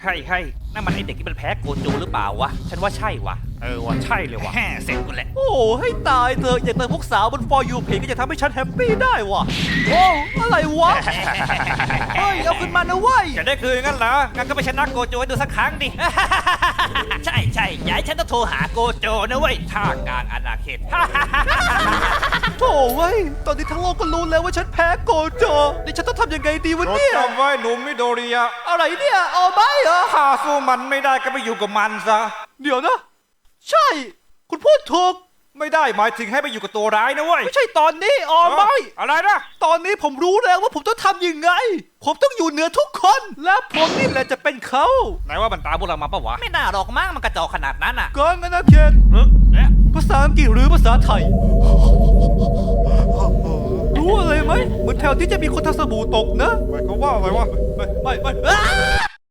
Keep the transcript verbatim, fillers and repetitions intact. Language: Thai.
เฮ้ยเฮ้ยนั่นมันไอเด็กที่มันแพ้โกจูหรือเปล่าวะฉันว่าใช่วะเออวะใช่เลยวะแฮ่เสร็จกูแหละโอ้ให้ตายเถอะอย่าเติมพวกสาวบน for you page ก็จะทำให้ฉันแฮปปี้ได้วะโอ้อะไรวะเฮ้ยเอาขึ้นมานะเว้ยจะได้คืนงั้นเหรองั้นก็ไปชนะโกจูให้ดูสักครั้งดิ ใช่ใช่ย้ายฉันต้องโทรหาโกโจนะเว้ยท่ากลางอาณาเขต โถ่เว้ยตอนนี้ทั้งโลกก็รู้แล้วว่าฉันแพ้โกโจนี่ฉันต้องทำยังไงดีวะเนี่ยจำไว้หนุ่มมิโดริยะอะไรเนี่ยเอาไหมเหรอถ้าสู้มันไม่ได้ก็ไปอยู่กับมันซะเดี๋ยวนะ ใช่ คุณพูดถูกไม่ได้หมายถึงให้ไปอยู่กับตัวร้ายนะเว้ยไม่ใช่ตอนนี้อ๋อไม่อะไรนะตอนนี้ผมรู้แล้วว่าผมต้องทำยังไง ผมต้องอยู่เหนือทุกคน และผมนี่แหละจะเป็นเขาไหนว่ามันตามพวกเรามาปะวะไม่น่าหรอกมั้งมันกระจอกขนาดนั้นอ่ะกองอาณาเขตเออเนี่ยภาษาอังกฤษหรือภาษาไทย รู้อะไรไหมเหมือนแถวที่จะมีคนทำสบู่ตกนะหมายความว่าอะไรวะไม่ไม่ไม่อ้า